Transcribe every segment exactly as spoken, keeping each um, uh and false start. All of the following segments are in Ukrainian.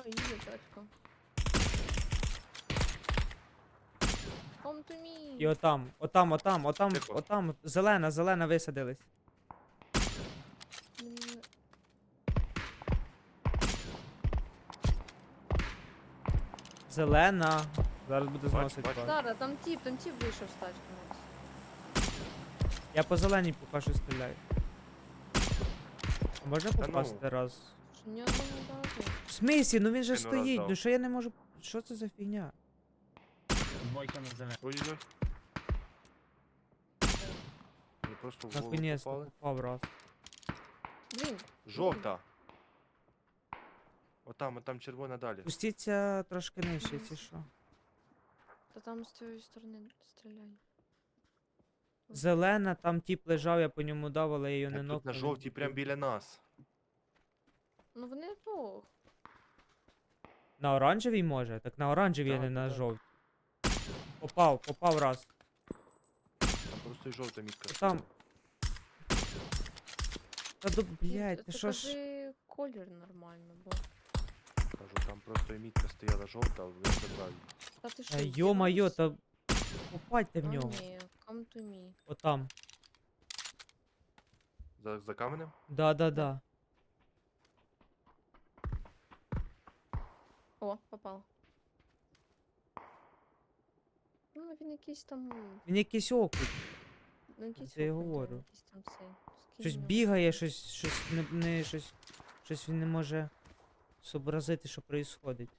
Їде тачка. Come to me. І отам, отам, отам, отам, Тихо. отам, зелена, зелена висадились. М, Зелена. Зараз буде Бачу, зносити бачу. вас. Зараз, там тіп, там тіп вийшов з тачки. Макс. Я по зеленій поки що стріляю. А можна Та ну. попасти раз? Що ні одного разу. В смислі? Ну він же Ти ну раз стоїть, дав. ну що я не можу. Що це за фігня? Двойка на зелену. Ой-ой-ой. Мені просто в голову Наконець-то попали. попав раз. Блін, Жовта. Отам, отам червона далі. Пустіться трошки нижче, чи що. то там з цієї сторони стріляй. Зелена, там тіп лежав, я по ньому дав, але я її не Так тут нокнув. на він жовтій прям добив. біля нас. Ну вони двох. На оранжевій може? Так на оранжевій, а Так, не на так. жовтій. Попав, попав раз. Там просто і жовта мітка. Там. Та до, Ні, блядь, ти ти що ж. кажи колір нормально, бо. Кажу, там просто і мітка стояла жовта, а він забрав її. Та ти що, Та йо-майо, здіваєшся? та попадьте в А, нього. ні, come to me. Отам. За, за каменем? Да-да-да. О, попав. Ну, він якийсь там. Він якийсь окут. Ну, якийсь Це я окунь, да, говорю. якийсь там цей. Скинь Щось його. бігає, щось, щось не, не щось. Щось він не може зобразити, що происходить.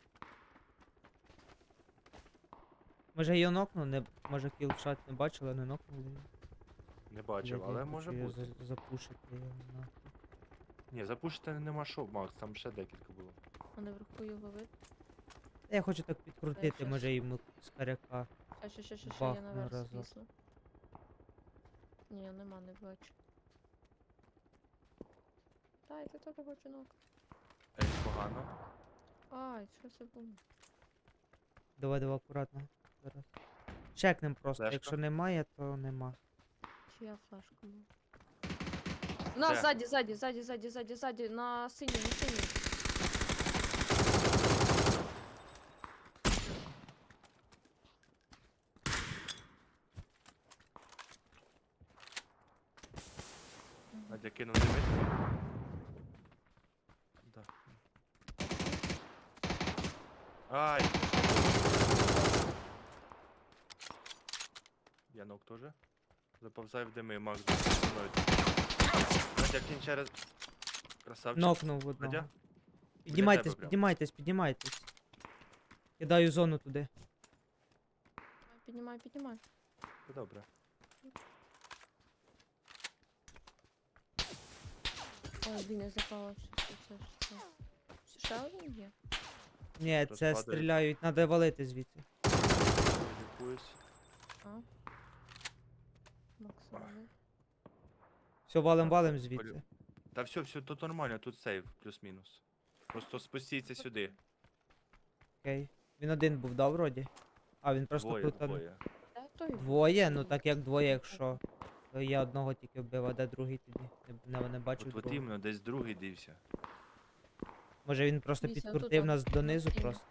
Може її нокнув, не, може кілшат не бачили, не нокнули. її. Не бачив, Я але хочу може її бути. за- запушити його. нахуй. Ні, запушити нема що, Макс, там ще декілька було. А наверху його вид. Та я хочу так підкрутити, щас. може йому з каряка. Ща, ща, ща, ща, ща, я Бахну наверх разок. звісла. Ні, нема, не бачу. Та, я ти теж хочу ног. Ей, погано. Ай, що це було? Давай, давай, акуратно. Зараз. Чекнем просто. Флешка. Якщо немає, то нема. Чия флешка була? На, Де? ззаді, ззаді, ззаді, ззаді, ззаді, ззаді, на синій, на синій. Надя кинув не мітку. Да. Ай! Я ног теж. Заповзай в дими, Макс, за мною. Надя, кінь через... Красавчик. Нокнув одного. Надя? Піднімайтесь, тебе прям. піднімайтесь, піднімайтесь. Кидаю зону туди. Піднімай, піднімай. Це добре. Ой, блін, я запала, що це, що це. Ще один є? Ні, Хтось це падає. стріляють, треба валити звідси. Лікуюсь. А? Максимально. Все, валим, Так, валим полю- звідси. Та все, все, тут нормально, тут сейв, плюс-мінус. Просто спустіться сюди. Окей. Він один був, да, вроді? А, він просто Двоє, тут. а, двоє. Де той? Двоє? Ну так як двоє, якщо. То я одного тільки вбив, а де другий тоді? Не, не, не бачив От, от другого. іменно, десь другий дився. Може він просто Дивіться, підкрутив отут нас от, донизу на синій. просто.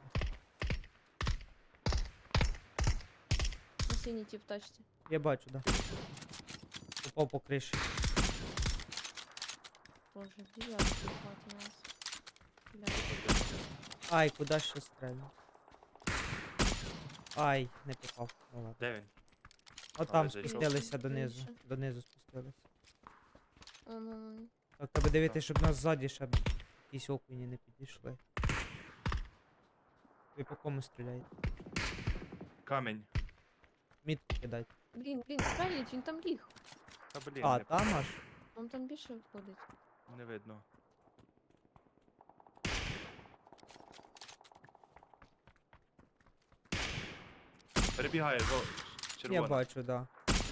На синій ті в тачці. Я бачу, да. Попав по криші. Боже, дев'ятки хватить нас. Бля. Ай, куди ще стрельну? Ай, не попав. Ну ладно. Де він? От А, там ви зайшов? спустилися донизу. Більше. Донизу спустилися. Ну, ну, ну. Так, треба дивитися, щоб нас ззаді ще б якісь окуні не підійшли. Ви по кому стріляєте? Камінь. Мітку кидайте. Блін, блін, стрелять, він там ліг. Та блін, А, не, там аж? Он там більше входить. не видно. Перебігає, жо... червона. Я бачу, да.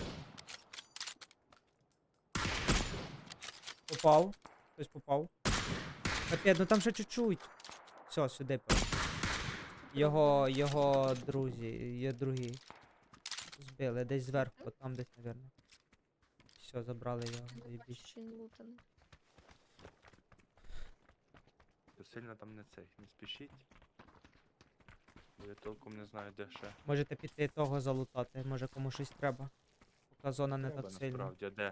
Попав. Хтось попав. Капець, ну там ще чуть-чуть. Все, сюди. пора. Його, його друзі, є другі. Збили, десь зверху, от там десь, напевно. Все, забрали його, Я бачу, заєбісь. що він лутаний. сильно там не цей, не спішіть. Бо я толком не знаю, де ще. Можете піти того залутати, може кому щось треба. Поки зона не Треба так сильна. насправді, а де?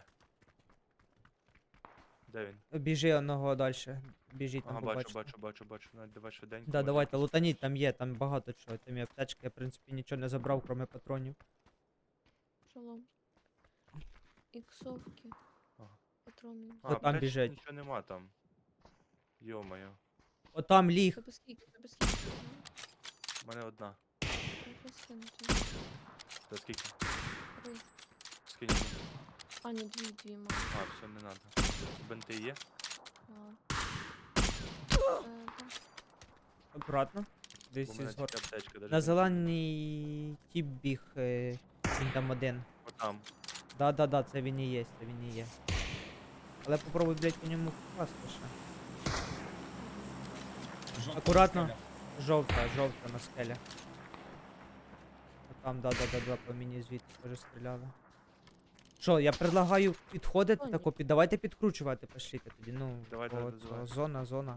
Де він? Біжи одного далі. Біжіть там Ага, бачу, побачите. бачу, бачу, бачу. Навіть давай швиденько. Да, може давайте, якийсь лутаніть, хтось. там є, там багато чого. Там є аптечки, я в принципі нічого не забрав, крім патронів. Шалом. Іксовки. Ага. Патрони. А, Та там аптечки біжать. Нічого нема там. Йо-моє. Отам ліг. Тебе скільки, тебе скільки? У мене одна. Я скину тобі. Та скільки? Три. Скинь. мені. А, ні, дві, дві маю. А, все, не надо. Бенти є? А. Е, да. Акуратно. Десь Бо в мене із гор. тільки аптечка. даже На бенти. зелений тіп біг, е, він там один. Отам. Да-да-да, це він і є, це він і є. Але попробуй, блядь, по ньому попасти ще. Жовта Акуратно. скеля. Жовта, жовта на скелях. Там, да-да-да-да, по мені звідти теж стріляли. Що, я предлагаю підходити Ой. тако, під... давайте підкручувати, пошліте тоді, ну, Давай, по давай, цього, давай. зона, зона.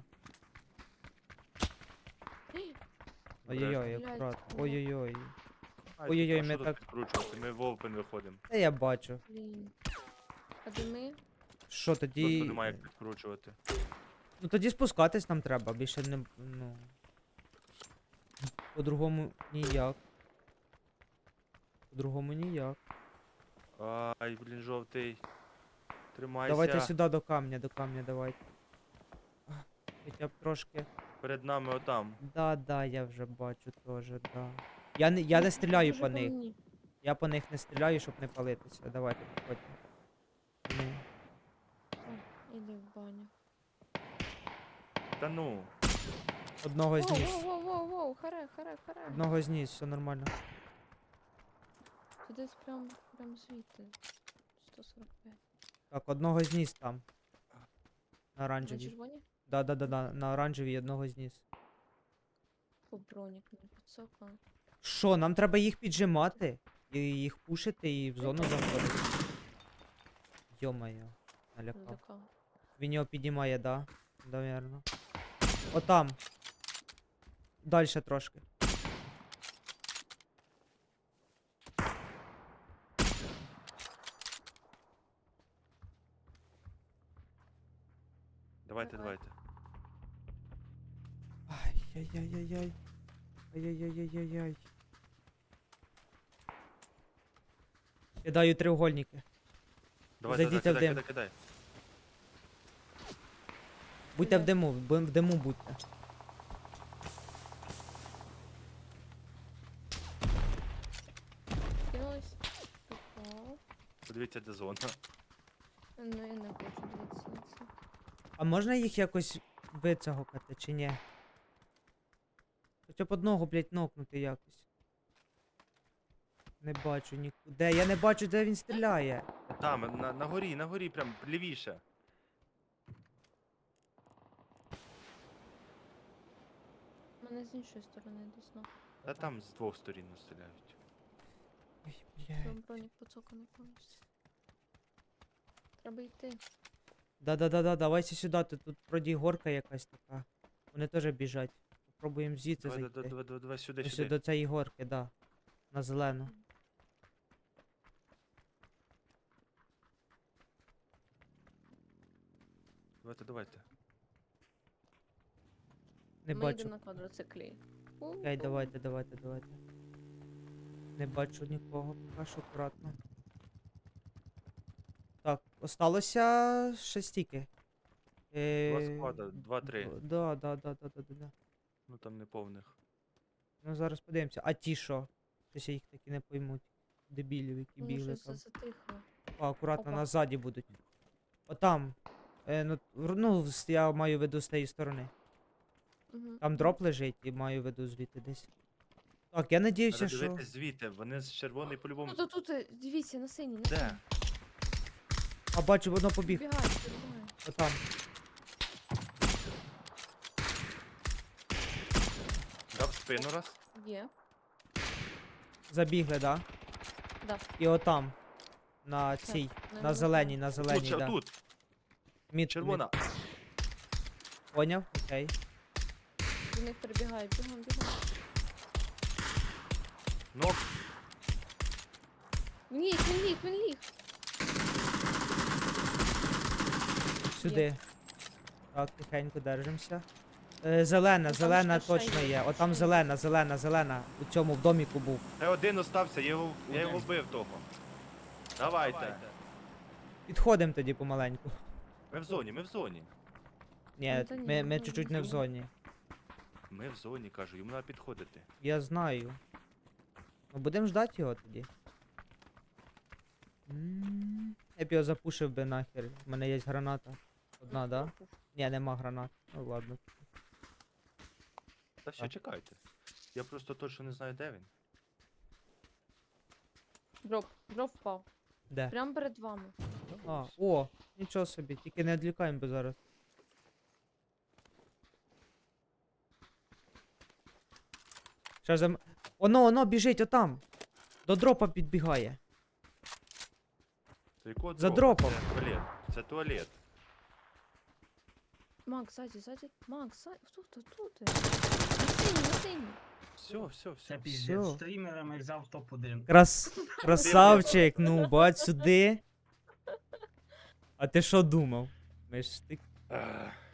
Ей, Ой-ой-ой, Блядь, акуратно, ну. ой-ой-ой. Ай, Ой-ой-ой, а ми що тут так- підкручувати? Ми в open виходимо. Та я бачу. Блін. А де ми? Що Тут тоді... немає як підкручувати. Ну тоді спускатись нам треба, більше не... ну... По-другому ніяк. По-другому ніяк. Ай, блін, жовтий. Тримайся. Давайте сюди до камня, до камня давайте. Хоча б трошки. Перед нами отам. Да, да, я вже бачу теж, да. Я не, я не стріляю Дуже по них. мені. Я по них не стріляю, щоб не палитися. Давайте, підходьте. Ну, О, іди в баню. Та ну. одного Воу, зніс. воу, воу, воу, воу, харе, харе, харе. Одного зніс, все нормально. Це десь прям, прям звідти. сто сорок п'ять. Так, одного зніс там. На На оранжевій. червоні? Да, да, да, да, на оранжевій одного зніс. По бронік мені підсокало. Що, нам треба їх піджимати? І їх пушити і в зону заходити. Йо-моє, налякав. Залякав. Він його піднімає, да? Навірно. Отам. Дальше трошки. Давайте, Давай. давайте. Ай-яй-яй-яй-яй. Ай-яй-яй-яй-яй. Кидаю треугольники. Давай, Зайдіть давай, в кидай, дим. кидай, кидай. Будьте в Де? диму, бу- в диму будьте. Кинулась. Попав. Подивіться, де зона. Ну, я не хочу дивитися на це. А можна їх якось вицягокати чи ні? Хоча б одного, блядь, нокнути якось. Не бачу нікуди. Я не бачу, де він стріляє. Там, на, на горі, на горі, прям лівіше. Мене з іншої сторони десь на. Та там з двох сторін стріляють. Ой, Прям блядь. бронік поцоканий повністю. Треба йти. Да-да-да-да, давайте сюди, тут, тут вроді горка якась така. Вони теж біжать. Попробуємо звідси Давай, зайти. давай, давай, давай, давай сюди, Ось сюди. до цієї горки, да. На зелену. Давайте, давайте. Не Ми бачу. йдемо на квадроциклі. Окей, давайте, давайте, давайте. Не бачу нікого, поки що акуратно. Так, осталося ще стільки. Два Е, склада, два-три. д- Да, да, да, да, да, да, да. Ну там не повних. Ну зараз подивимося. А ті що? Щось я їх таки не поймуть. Дебілів, які Ну, бігли щось там. затихло. А, акуратно, Опа. назаді будуть. Отам. Е, ну, в- ну, з- я маю в виду з тієї сторони. Угу. Там дроп лежить і маю в виду звідти десь. Так, я надіюся, Треба що. дивитись звідти, вони з червоний по-любому. Ну, то тут, е, дивіться, на синій, на Де? синій. А бачу, воно побіг. Підбігає, підбігає. Отам. Дав спину раз. Є. Забігли, да? Да. І отам. На Все, цій. не На зеленій, на Тут, зеленій, ще да. тут. Мід, Червона. Мід. Поняв? Окей. До них прибігає, бігом, бігом. Ну, Він ліг, він ліг, він ліг. Сюди. Так, тихенько держимося. Е, зелена, там зелена ще- ще точно є, є. ще Отам є. зелена, зелена, зелена. У цьому в доміку був. це один остався, я його, я його Один. вбив того. Давайте. Підходимо тоді помаленьку. Ми в зоні, ми в зоні. Ні, Ну, та ні, ми, ми ну, чуть-чуть не не в знаю. зоні. Ми в зоні, кажу, йому треба підходити. Я знаю. Ну будемо ждати його тоді. М, Я б його запушив би нахер. У мене є граната. Одна, да? Ні, нема гранат. Ну ладно. Та все, Так. чекайте. Я просто точно не знаю, де він. Дроп, дроп впав. Де? Прямо перед вами. А, о, нічого собі, тільки не відлікаємо би зараз. Ще зам... Оно, оно біжить отам. До дропа підбігає. Це якого За дропа? дропом. Це туалет. Це туалет. Макс, ззаді, ззаді. Макс, ззаді. Тут, тут, тут. На синій, на синій. Все, все, Це все. піздець. Всьо. Стрімерами взяв топ один. Крас... Красавчик, ну, бач сюди. А ти що думав? Ми ж ти Ех,